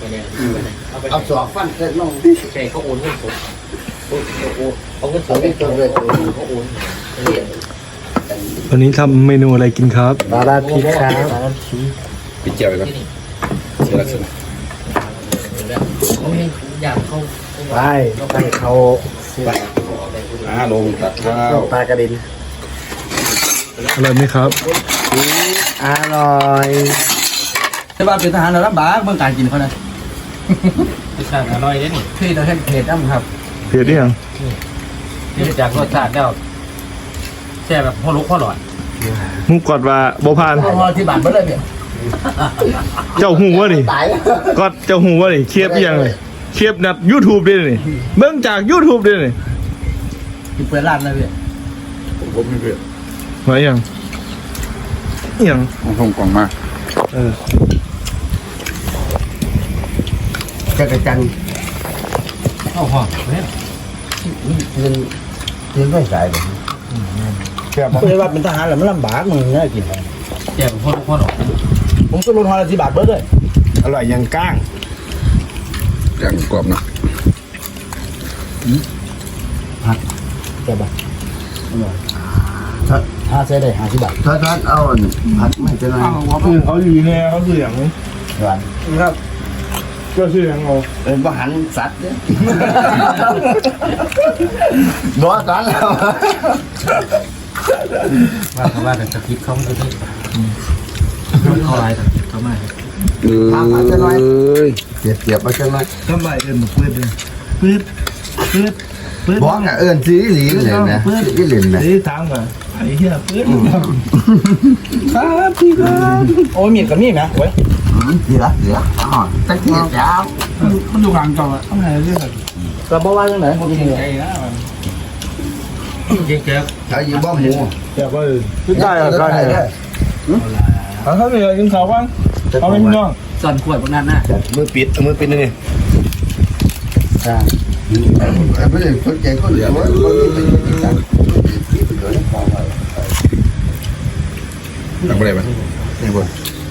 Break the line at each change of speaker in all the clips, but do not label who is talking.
เอาสอบฟันเสร็จลงใช่เขาโอนเงินสดเขาเงินสดให้ตัวเลยเขาโอน
วันนี้ทำเมนูอะไรกินครับ
บาราพีครับ
เจียวเลยครับเจียวลักษณะ
เขาอยากเขาไปเขา
ลงตัดข้าว
ปลากระดิน
อร่อยไหมครับ
อร่อย
แต่ว่าเป็นทหารเราลำบากเมื่อการกินเขานะ
รสชาติอร่อยเลยนี่
ที่เราเห็นเผ็ดน้ำครับ
เผ็ดหรือยัง
นี่จากรสชาติแล้วแช่แบบพ่อลุกพ่อหลอด
มุกกอดว่าบ่พาน
พอที่บ้านเมื่อไรเนี่ย
เจ้าหูวะนี่
ตายแล้ว
กอดเจ้าหูวะนี่เคียบยังเลยเคียบนัด YouTube ด้วยนี่เบิ่งจาก YouTube ด้วยนี่
กินเปิดร้านเลยพี่
ผมไม่เผ็ด
ไว้ยังยัง
ผมส่งกล่องมา
จักรจันทร์
เข้าหอมเนี่ย
เงินไม่ใส่เลย
เปิดว่าเป็นทหารแล้วมันลำบากมึงง่ายกิน
แช่แบบพ่อลุกพ่อหลอด
ผมก็ลดหอละ10 บาทเบิร์ดเลย
อร่อยยังก้าง
อย่างกรอบนะ
ใช่ปะถ้าใช้ได้50 บาท
ถ้าเอาผัดไม่เป็นไร
เขาอยู่แน่เขาเสียง
หวาน
ครับก็เสียงเอา
เป็นอาหารสัตว์เนี่ยบอกกันแล้ว
ว่าเขาว่าแต่สคริปต์เขาไม่ได้เขาอะไรสคริปต์เขาไม่
ทำมาจะน้อยเสียบมาจะน้อย
ทำไมเอิ้นปืดเลยปืดปืดปืด
บอกอ่ะเอิญซีหลีเลยนะซีหลีนะ
นี่ถามก่อนไอ้เหี้ยปืดครับพี่ครับ
โอ้ยมีดกับมีดนะเว้ย
ดีละอ๋อตะเกียบยาว
มันดูกลางจออ่ะทำไมเรื่อง
กระบอกว่าจังไหนผมกินเลย
เจ๊ก
เขาอยู่บ้านหมู
อยากไปพี่ได้อ่ะได้เขาเหนื่อยกินข้าวบ้างเขาไม่มีน้อง
ๆส่วนขวดพวกนั้นน่ะ
มือปิดมือปิดนี่
ไม่ได้สนใจคนเหลือว่าคนที่เป็นการที่เป็นตัวนี้พอแล้ว
ทำอะไรมา
นี่บน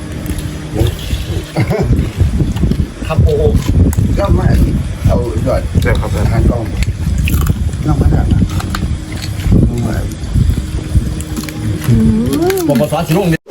ครับโอ้
ก็ไม่เอายอด
ใช่ครับ
ทางกล้องน้องมาได้นะ
ผมมาสอนสิลุง